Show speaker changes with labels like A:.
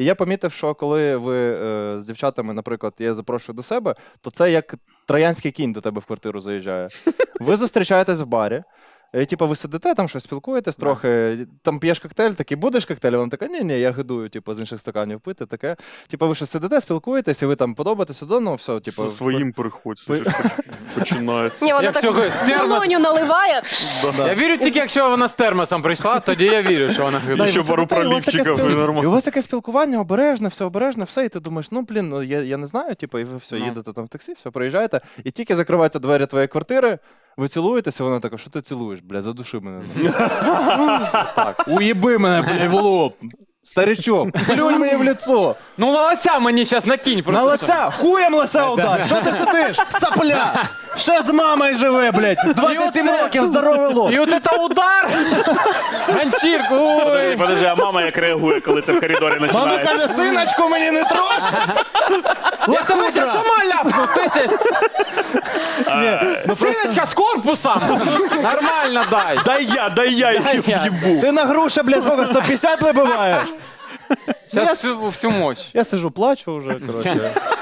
A: І я помітив, що коли ви з дівчатами, наприклад, я запрошую до себе, то це як троянський кінь до тебе в квартиру заїжджає. Ви зустрічаєтесь в барі, і, типу, ви сидите, там щось спілкуєтесь трохи, там п'єш коктейль, такий, будеш коктейль? Вона така, ні, я гидую, типу, з інших стаканів пити, таке. Типу, ви щось сидите, спілкуєтесь, і ви там подобаєтесь один, ну, все, типу.
B: Зі своїм приходь, починається.
C: Ні, вона
D: Якщо
C: так
D: з термос-
C: долоню наливає.
D: Я вірю тільки, якщо вона з термосом прийшла, тоді я вірю, що вона
B: І
D: гидає.
B: ще
A: ви
B: пару
A: сидите, і у вас таке
B: пролівчиків, і
A: І у
B: нормально.
A: вас таке спілкування, обережне, все, і ти думаєш, ну, блін, ну, я не знаю, типу, і ви все,
D: Ну.
A: їдете там в таксі, все, приїжджаєте, і тільки закриваються двері твоєї квартири, ви цілуєтеся, вона така, що ти цілуєш, бля, задуши мене. Так, уїби мене, бля, в лоб. Старичок, плюнь мені в лицо.
D: Ну, лося мені зараз накинь просто.
A: На лиця, хуєм лиця удар. Що ти сидиш? Сапля! Ще з мамою живе, блядь. 27
D: оце-
A: років, здоровий лоб.
D: І от це удар! Ганчірку, ой!
E: Подожди, а мама як реагує, коли це в коридорі
A: Мама
E: починається?
A: каже, синочку, мені не трош.
D: Я тебе зараз сама ляпну, ти щас. Синочка з корпусом! Нормально дай.
B: Дай я її
D: я.
B: в'їбу.
A: Ти на груша, блядь, сколько, 150 вибиваєш?
D: Зараз всю мощь.
A: Я сижу, плачу вже, коротше.